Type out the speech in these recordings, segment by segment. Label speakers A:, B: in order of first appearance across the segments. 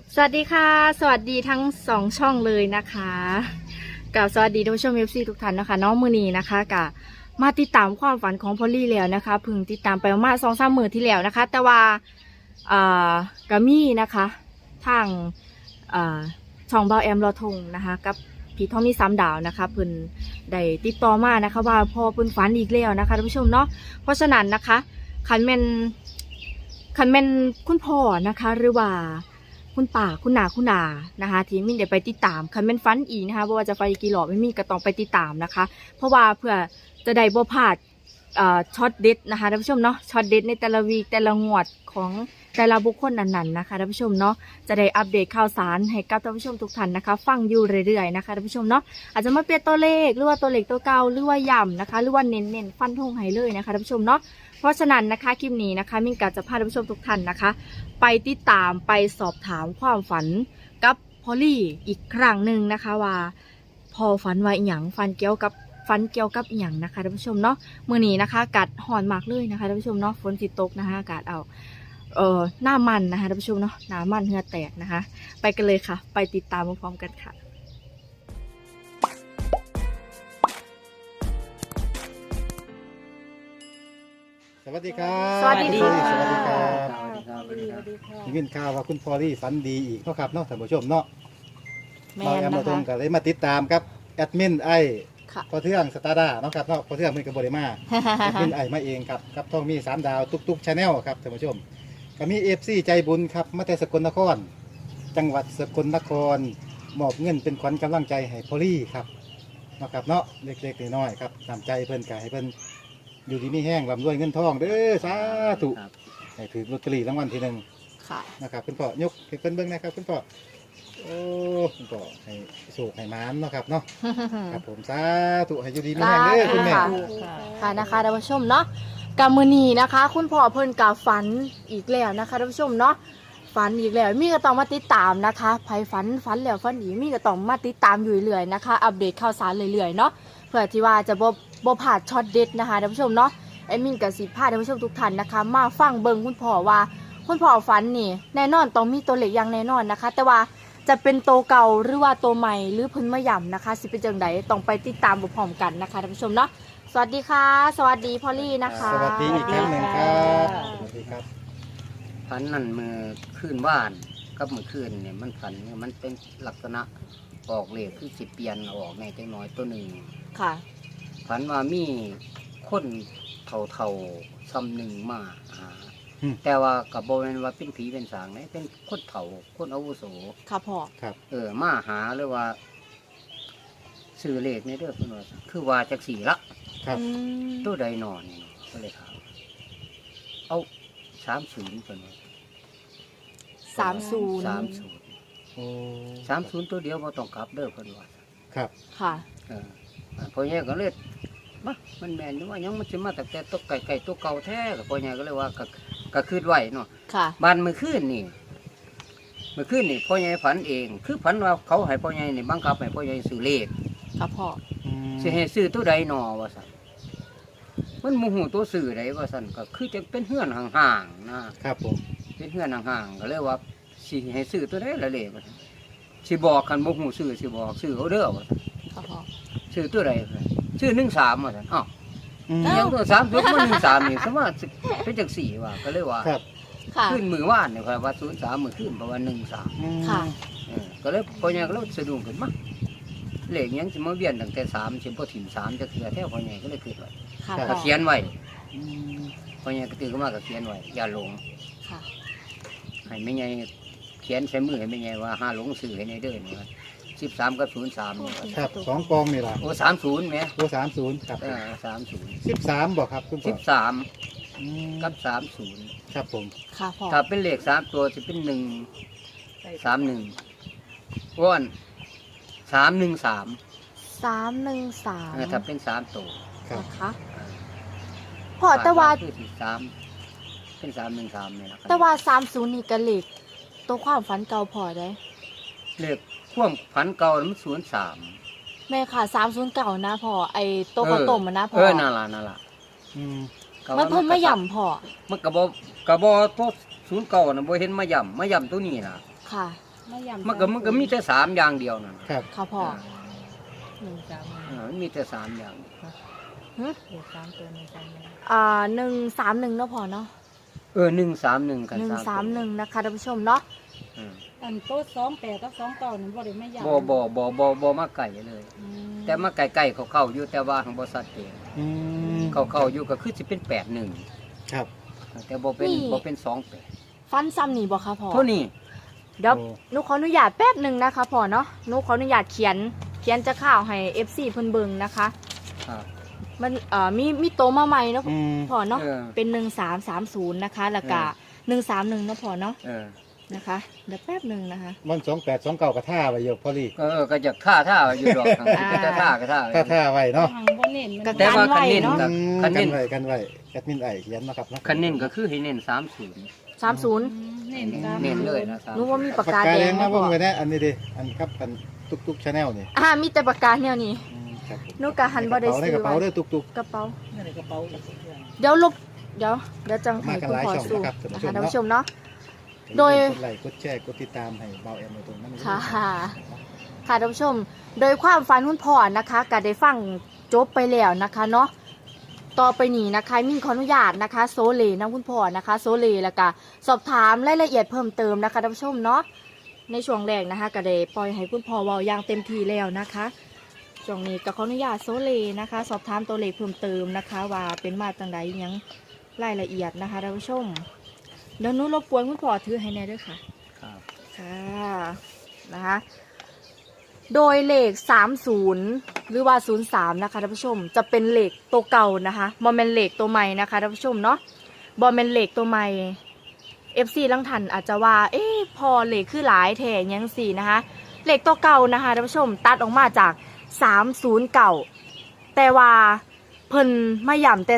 A: สวัสดีค่ะสวัสดีทั้ง2ช่องเลยนะคะกับสวัสดีท่านผู้ชม FC ทุกท่านนะคะน้องมือนีนะคะกับมาติดตามความฝันของพอลลี่แล้วนะคะเพิ่งติดตามไปประมาณ2-3 มื้อที่แล้วนะคะแต่ว่ากามี่นะคะทางช่องเบาแอมรอทงนะคะกับพี่ทอมมี่3 ดาวนะคะเพิ่นได้ติดต่อมานะคะว่าพอเพิ่นฝันอีกแล้วนะคะท่านผู้ชมเนาะเพราะฉะนั้นนะคะคันแม่นคุณพ่อนะคะหรือว่าคุณป่าคุณนานะคะที่มิ่งเดี๋ยวไปติดตามคันเป็นฟันอีนะคะว่าจะไฟกี่หลอดไม่มีก็ต้องไปติดตามนะคะเพราะว่าเพื่อจะได้บ่พลาดช็อตเด็ดนะคะท่านผู้ชมเนาะช็อตเด็ดในแต่ละวีคแต่ละงวดของแต่ละบุคคลนั้นๆนะคะท่านผู้ชมเนาะจะได้อัปเดตข่าวสารให้กับท่านผู้ชมทุกท่านนะคะฟังอยู่เรื่อยๆนะคะท่านผู้ชมเนาะอาจจะมาเปลี่ยนตัวเลขหรือว่าตัวเลขตัวเก่าหรือว่าย่ำนะคะหรือว่าเน้นฟันธงให้เลยนะคะท่านผู้ชมเนาะเพราะฉะนั้นนะคะคลิปนี้นะคะมิ่งกะจะพาท่านผู้ชมทุกท่านนะคะไปติดตามไปสอบถามความฝันกับพอลลี่อีกครั้งหนึ่งนะคะว่าพอฝันว่าอีหยังฝันเกี่ยวกับอีหยังนะคะท่านผู้ชมเนาะมื้อนี้นะคะอากาศร้อนมากเลยนะคะท่านผู้ชมเนาะฝนสิตกนะคะอากาศเอาหน้ามันนะคะท่านผู้ชมเนาะหน้ามันเหงื่อแตกนะคะไปกันเลยค่ะไปติดตามพร้อมๆกันค่ะ
B: สวัสดีครับ
A: สวัสดีค่ะ
B: สวัสดีครับ
C: สวัสดีครับสวัสดีครับ
B: ได้ยินข่าวว่าคุณพอลี่ฝันดีอีกเนาะครับเนาะท่านผู้ชมเนาะ
A: แม่
B: เราแอม
A: นะ
B: มาตร
A: คะ
B: งกันเลยมาติดตามครับแอดมินไอ
A: ค่ะ
B: พอเทืองสตาร์ดาเนาะครับเนาะพอเทืองมันกับบริมาแอดมินไอมาเองครับครับต้องมี3 ดาวตุกชาแนลครับท่านผู้ชมก็มีFCใจบุญครับมาแต่สกลนคร จังหวัดสกลนครมอบเงินเป็นขวัญกำลังใจให้พอลี่ครับเนาะครับเนาะเล็กๆน้อยๆครับนำใจเพิ่นกให้เพิ่นอยู่ดีมีแห้งร่ำรวยเงินทองเด้อสาธุ
C: ครับ
B: ให้ถือลอตเตอรี่รางวัลที่ 1
A: ค่ะ
B: นะครับคุณพ่อยกให้เพิ่นเบิ่งนะครับคุณพ่อโอ้คุณพ่อให้โชคให้หมานเนาะครับเนาะครับผมสาธุให้อยู่ดีมีแรงเด้อคุณแม่
A: ค่ะนะคะท่านผู้ชมเนาะกามือนีนะคะ คุณพ่อเพิ่นกาฝันอีกแล้วนะคะท่านผู้ชมเนาะฝันอีกแล้วมีก็ต้องมาติดตามนะคะไผฝันแล้วฝันอีกมีก็ต้องมาติดตามอยู่เรื่อยๆนะคะอัปเดตข่าวสารเรื่อยๆเนาะเพื่อที่ว่าจะบ่พลาดช็อตเด็ดนะคะท่านผู้ชมเนาะแอดมินกับสิพาท่านผู้ชมทุกท่านนะคะมาฟังเบิ่งคุณพ่อว่าคุณพ่อฝันนี่แน่นอนต้องมีตัวเลขอย่างแน่นอนนะคะ แต่ว่าจะเป็นโตวเก่าหรือว่าโตวใหม่หรือเพิ่นมาย่ำนะคะสิเป็นจังไดต้องไปติดตามพร้อมๆกันนะคะท่านผู้ชมเนาะสวัสดีค่ะสวัสดีพอลลี่นะคะ
B: สวัสดีอีกครั้งหนึ่งครับสวัสดีครับ
C: ฝันนั่นมือคืนว่านกับมือคืนเนี่ยมันฝันเนี่ยมันเป็นลักษณะออกเลขคือสิเปลี่ยนออกในจังน้อยตัวหนึ่ง
A: ค่ะ
C: ฝันว่ามีคนเท่าๆซ้ำหนึ่งมาหา แต่ว่ากับโบเป็นว่าเป็นผีเป็นสางเนี่ยเป็นคนเฒ่าคนอาวุโส
A: ค่ะพ่อ
B: ครับ
C: มาหาเลยว่าซื้อเลขในเด้อเพิ่นว่าคือว่าจักสี่ละ
B: ครับ
A: อืม
C: ตัวใดนอนนี่ก็เลยถามเอา30เพิ่นว่า
A: 30
C: 30
B: โอ้
C: 30ตัวเดียวบ่ต้องกลับเด้อเพิ่นว่า
B: ครับ
A: ค่ะ
C: พอแย่ก็เลยมามันแม่นอยู่ว่ายังมันสิมาตั้งแต่ตัวไก่ตัวเก่าแท้ก็พอแย่ก็เลยว่าก็คืดไว้เนาะ
A: ค่ะ
C: บ้านมื้อคืนนี่พ่อใหญ่ฝันเอง คือฝันว่าเขาให้พ่อใหญ่นี่บังคับให้พ่อใหญ่ซื้อเลข
A: ค่ะพ่อ
C: สิให้ซื้อตัวใดหนอว่าซั่นมันโมโหตัวซื้อใดว่าซั่นก็คือจะเป็นเฮือนห่างๆนะครับ
B: ผม
C: เป็นเฮือนห่างๆก็เลยว่าสิให้ซื้อตัวใดละเลขว่าซั่นสิบอกคันบ่ฮู้ซื้อสิบอกซื้อเอาเด้อว่าซั่น
A: ค่ะพ่อ
C: ซื้อตัวใดซื้อ13ว่าซั่นอ้าว
B: อืม
C: ยังตัว3ตัวมัน13นี่สมมุติเป็นจัง4ว่าก็เลยว่า
B: ครับ
A: ค่ะ
C: ขึ้นมื้อวานนี่ครับว่า03มื้อขึ้นเพราะว่า13
B: อืม
A: ค่ะ
C: ก็เลยพ่อใหญ่ก็เลยสะดุ้งขึ้นมาเลขยังสิมาเวียนตั้งแต่3สิบ่ถิ่ม3จักเทื่อแท้พ่อใหญ่ก็เลยคิดไว้
A: ค่ะ
C: ก็
A: พ่อ
C: เขียนไว้
B: อืม
C: พ่อใหญ่ก็ตื่นขึ้นมาก็เขียนไว้อย่าหลง
A: ค่ะ
C: ให้แม่ใหญ่เขียนใส่มือให้แม่ใหญ่ว่าห้าหลงสื่อให้ในเด้อนี่ว่า13กับ03นี่
B: ครับ2 กองนี่ล่ะ
C: โอ้30แหม
B: โอ้30ครับ
C: 30
B: 13บ่ครับคุณพ่อ
C: 13
B: อืม
C: กับ30
B: ครับผม
A: ค่ะพ่อ
C: ถ้าเป็นเลข3ตัวสิเป็น131อ้วน313
A: 313
C: ถ้าเป็น3ตัว
B: ครับ
A: นะคะพ่อแต่ว่า
C: คือ3เป็น313นี่ล่ะ
A: แต่ว่า30นี่ก็เลขตัวความฝันเก่าพ่อได้
C: เลขความฝันเก่ามัน03
A: แม่ค่ะ309นะพ่อไอ้โต๊ะข้าวต้มอะนะพ่อ
C: นั่นล่ะ
B: อืม
A: มันเพิ่นมาย่ำพ่อ
C: มันกระบอกตัว09น่ะบ่เห็นมาย่ำตัวนี้ล่ะ
A: ค่ะ
C: มันก็มีแต่3อย่างเดียวนั่น
B: ครับ
A: ค่ะพ่อ
C: มันมีแต่3อย่าง
A: หึ
D: เด็ก3ตัว1 3
A: 131เนาะพ่อเนาะ
C: 131กัน
A: 131นะคะท่านผู้ชมเนาะ
D: อันโต๊ะ28กับ29นั่นบ่ได้ไม่ยาว
C: บ่มาไก่เลย แต่มาไก่ๆเขาเข้าอยู่แต่ว่าของบ่ชัดเจน
B: อืม
C: เขาเข้าอยู่ก็คือสิเป็น81
B: ครับ
C: แต่บ่เป็น28
A: ฟันซ้ำนี่บ่คะพ่อ
C: เท่านี้
A: เดี๋ยว
B: โอ้
A: หนูขออนุญาตแป๊บหนึ่งนะคะพ่อเนาะหนูขออนุญาตเขียนจะข่าวให้ FC เพิ่นเบิ่งนะคะ
C: ครับ
A: มันมีโตมาใหม่เนาะ
B: อืม
A: พ่อเนาะ
C: เออ
A: เป็น1330นะคะแล้วก็131เนาะพ่อเนาะนะคะเดี๋ยวแป๊บหนึ่งนะคะ
B: มัน2829ก็ท่าไว้อยู่พอลี่
C: ก็จะท่าอยู่ดอก
A: อ่า
C: แต่ท่าก็ท่า
B: ท่าไว้เนาะ
D: ทางบ่เน้นมัน
A: ก็
C: แต่ว่า
A: กันไว้เนาะ
C: คันเน้น
B: กันไว้แอดมินไอเขียนมาครับเนาะ
C: คันเน้นก็คือให้เน้น30
A: 30
D: เน้นตาม
C: เน้นเลยนะ
A: หนูว่ามีปาก
B: ปาก
A: กาก
B: า
A: แด
B: แด
A: ง
B: ง
A: นะ
B: มา
A: พ่
B: เบิ่
A: อง
B: ไว้แน่อันนี้ดิอันครับอันตุกๆชาแนลนี่
A: มีแต่ปากกาแนวนี้
B: ครับผม
A: หนูก็หันบ่ได้ซื้อ
B: ในกระเป๋า
A: ไว้
B: เด้อตุก
A: กระเป๋า
D: ในกระเป๋า
A: เดี๋ยวจังให้คุณพ่อสู้
B: มากันหลายช่องนะครับ
A: นะคะท่าน
B: ท่านผู้
A: ผู้
B: ช
A: ช
B: ม
A: ม
B: เนาะ
A: เนาะ โดย
B: กดไลค์กดแชร์กดติดตามให้เบาแอมในตรงนั้น
A: ค่ะค่ะท่านผู้ชม โดยความฝันคุณพ่อนะคะก็ได้ฟังจบไปแล้วนะคะเนาะต่อไปนี้นะคะมิ่งขออนุญาตนะคะโซเลนะคุณพ่อนะคะโซเลแล้วก็สอบถามรายละเอียดเพิ่มเติมนะคะท่านผู้ชมเนาะในช่วงแรกนะคะก็ได้ปล่อยให้คุณพ่อเว้าอย่างเต็มที่แล้วนะคะช่วงนี้ก็ขออนุญาตโซเลนะคะ สอบถามตัวเลขเพิ่มเติมนะคะ ว่าเป็นมาจังใดยังรายละเอียดนะคะท่านผู้ชมเดี๋ยวหนูรบกวนคุณพ่อถือให้แน่ด้วยค่ะ
C: ครับ
A: ค่ะนะคะโดยเลข30หรือว่า03นะคะท่านผู้ชมจะเป็นเลขตัวเก่านะคะบอมเมนเลขตัวใหม่นะคะท่านผู้ชมเนาะบอมเมนเลขตัวใหม่ FC ลังทันอาจจะว่าพอเลขคือหลายแถยังสี่นะคะเลขตัวเก่านะคะท่านผู้ชมตัดออกมาจาก30เก่าแต่ว่าเพิ่นมาย่ำแต่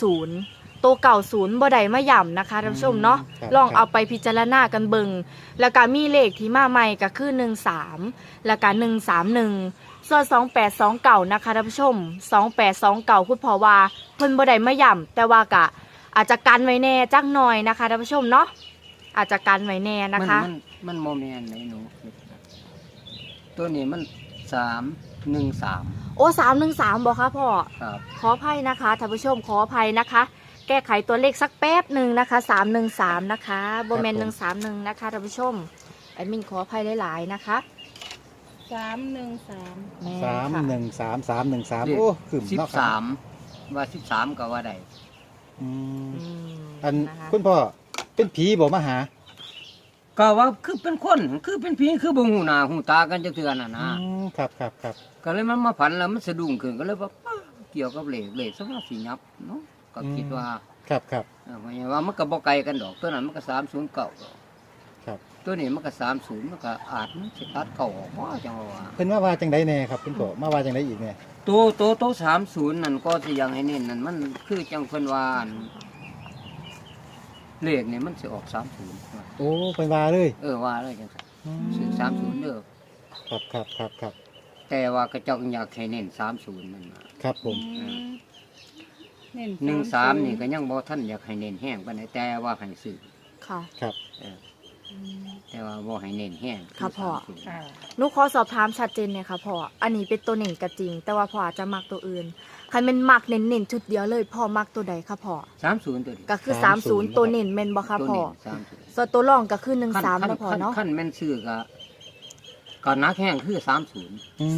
A: 30ตัวเก่า0บ่ได้มาย่ำนะคะท่านผู้ชมเนาะลองเอาไปพิจารณากันเบิงแล้วก็มีเลขที่มาใหม่ก็คือ13แล้วก็131ส่วน2829นะคะท่านผู้ชม2829คุณพ่อว่าเพิ่นบ่ได้มาย่ำแต่ว่าก็อาจจะกันไว้แน่จักหน่อยนะคะท่านผู้ชมเนาะอาจจะกันไว้แน่นะคะ
C: มันโมเมนต์ไหนหนูตัวนี้มัน313
A: โอ้313บอกค่ะพ่อ
C: ครับ
A: ขออภัยนะคะท่านผู้ชมขออภัยนะคะ แก้ไขตัวเลขสักแป๊บหนึ่งนะคะ313นะคะโบแมน131นะคะท่านผู้ชมแอดมินขออภัยหลายๆนะคะ
D: 313
A: แม่
B: 313 โอ้ขึ้นเนาะครับ
C: 13ว่า13ก็ว่าได้
B: อืม
A: อืม
B: อัน
A: นะคะ
B: คุณพ่อเป็นผีบ่มาหา
C: ก็ว่าคือเป็นคนคือเป็นผีคือบ่หูหน้าหูตากันจักเทื่อน่ะนะ
B: ครับ
C: ก็เลยมันมาฝันแล้วมันสะดุ้งขึ้นก็เลยว่าป้าเกี่ยวกับเลขสักว่าสิยับเนาะก็คิดว่า
B: ครับ
C: หมายว่ามันก็บ่ไกลกันดอกตัวนั้นมันก็309
B: ครับ
C: ตัวนี้มันก็30มันก็อาจมันสิตัดเข้าออกบ่จังว่า
B: เพิ่นว่าจังไดแน่ครับคุณพ่อมาว่าจังไดอีกแน่
C: ตัว30นั่นก็สิยังให้เน้นนั่นมันคือจังเพิ่นว่าอั่นเลขนี่มันสิออก30ว่า
B: โอ้เพิ่นว่าเลย
C: ว่าเลยจังซั่นซื้อ30เด้อ
B: ครับ
C: แต่ว่าก็เจ้าอยากให้เน้น30นั่นน่ะ
B: ครับผม
D: เน้น
C: 13นี่ก็ยังบ่ทันอยากให้เน้นแห้งปานใดแต่ว่าให้ซื้อ
A: ค่ะ
B: ครับ
C: เออแต่ว่าบ่ให้เน้นแห้ง
A: ค่ะพ่อ
C: 30
D: ค่ะ
A: หนูขอสอบถามชัดเจนเนี่ยค่ะพ่ออันนี้เป็นตัวเน่นก็จริง แต่ว่าพ่ออาจจะมักตัวอื่นใครเป็นมักเน้นๆชุดเดียวเลยพ่อมักตัวใดคะพ่อ
C: 30ตัวนี้
A: ก็คือ30ตัวเน่นแม่นบ่คะ
C: ตัว
A: พ่อ
C: นี้30
A: ส่วนตัวรองก็คือ13แล้วพ่อเนาะ
C: ขั้นแม่นซื้อก็นักแห้งคือ30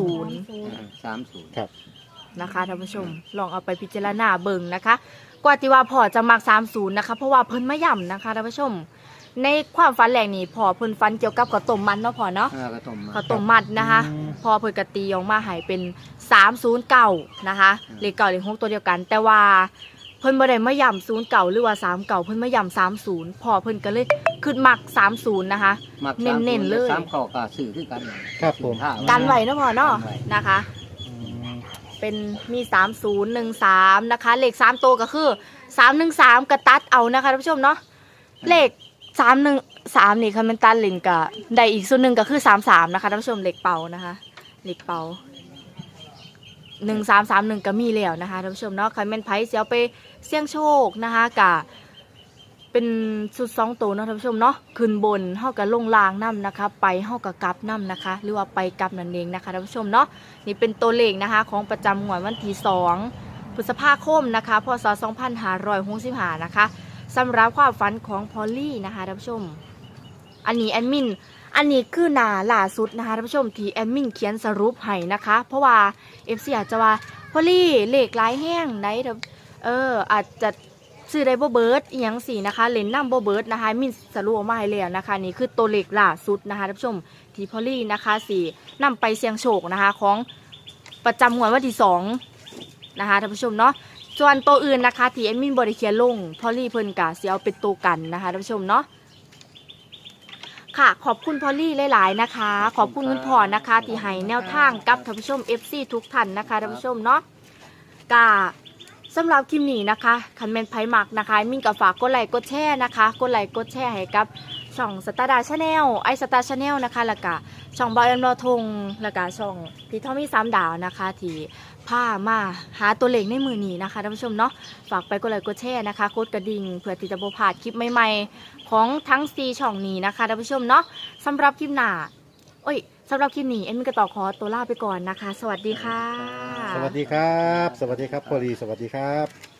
C: 30
B: ครับ
A: นะคะท่านผู้ชมลองเอาไปพิจารณาเบิ่งนะคะ กว่าที่ว่าพ่อจะมัก30นะคะเพราะว่าเพิ่นมาย่ำนะคะท่านผู้ชม ในความฝันแรกนี่พ่อเพิ่นฝันเกี่ยวกับข้าวต้มมันเนาะพ่อเนาะ
C: ก็ต้มมา
A: ข้าวต้มมัดนะคะพ่อเพิ่นกตีออกมาให้เป็น309นะคะเลขเก่าเลข6ตัวเดียวกัน แต่ว่าเพิ่นบ่ได้มาย่ำ09หรือว่า39เพิ่นมาย่ำ30พ่อเพิ่นก็เลยขึ้นมัก30นะคะ
C: มัก
A: เน้นๆเลย
C: 3ข้อก็ซื้อคือกัน
B: ครับผม
A: กันไว้เนาะพ่อเนาะ
C: กันไว้
A: นะคะ เป็นมี3013นะคะเลข3ตัวก็คือ313กระตัดเอานะคะท่านผู้ชมเนาะเลข313นี่คันเป็นตัดลินกับได้อีกส่วนหนึ่งก็คือ33นะคะท่านผู้ชมเลขเป่านะคะเลขเป่า1331ก็มีแล้วนะคะท่านผู้ชมเนาะใครเป็นไผเสียไปเสี่ยงโชคนะคะกะเป็นสุด2ตัวเนาะท่านผู้ชมเนาะขึ้นบนเฮากับลงล่างนํนะคะไปเฮากับกลับนํนะคะหรือว่าไปกลับนั่นเองนะคะท่านผู้ชมเนาะนี่เป็นตัวเลขนะคะของประจำงวดวันที่2พฤษภาคมนะคะพศ2565นะคะสำหรับความฝันของพอลลี่นะคะท่านผู้ชมอันนี้แอดมินอันนี้คือหน้าล่าสุดนะคะท่านผู้ชมที่แอดมินเขียนสรุปให้นะคะเพราะว่า FC อาจจะว่าพอลลี่เลขหลายแห้งไหนอาจจะซื้อได้บ่เบิร์ดอีหยังสินะคะเล่นน้ำบ่เบิร์ดนะคะมินสรุปออกมาให้แล้วนะคะนี่คือตัวเลขล่าสุดนะคะท่านผู้ชมที่พอลลี่นะคะสินำไปเสี่ยงโชคนะคะของประจำงวดวันที่2นะคะท่านผู้ชมเนาะส่วนตัวอื่นนะคะที่แอดมินบ่ได้เขียนลงพอลลี่เพิ่นก็สิเอาเป็นตัวกันนะคะท่านผู้ชมเนาะค่ะขอบคุณพอลลี่หลายๆนะคะขอบคุณคุณพ่อนะคะที่ให้แนวทางกับท่านผู้ชม FC ทุกท่านนะคะท่านผู้ชมเนาะกาสำหรับคลิปนี้นะคะคันเมนไพมักนะคะมินกับฝากกดไลค์กดแชร์นะคะกดไลค์กดแชร์ให้กับช่องสตาร์ดาชาแนลไอสตาร์ชาแนลนะคะแล้วก็ช่องบอยแอมโนทงแล้วก็ช่องพี่ทอมมี่3 ดาวนะคะที่พามาหาตัวเลขในมือนี้นะคะท่านผู้ชมเนาะฝากไปกดไลค์กดแชร์นะคะกดกระดิ่งเพื่อที่จะบ่พลาดคลิปใหม่ๆของทั้ง4ช่องนี้นะคะท่านผู้ชมเนาะสำหรับคลิปหน้าสำหรับคลิปนี้เอ็มก็ต่อขอตัวลาไปก่อนนะคะสวัสดีค่ะ
B: สวัสดีครับ สวัสดีครับพอลีสวัสดีครับ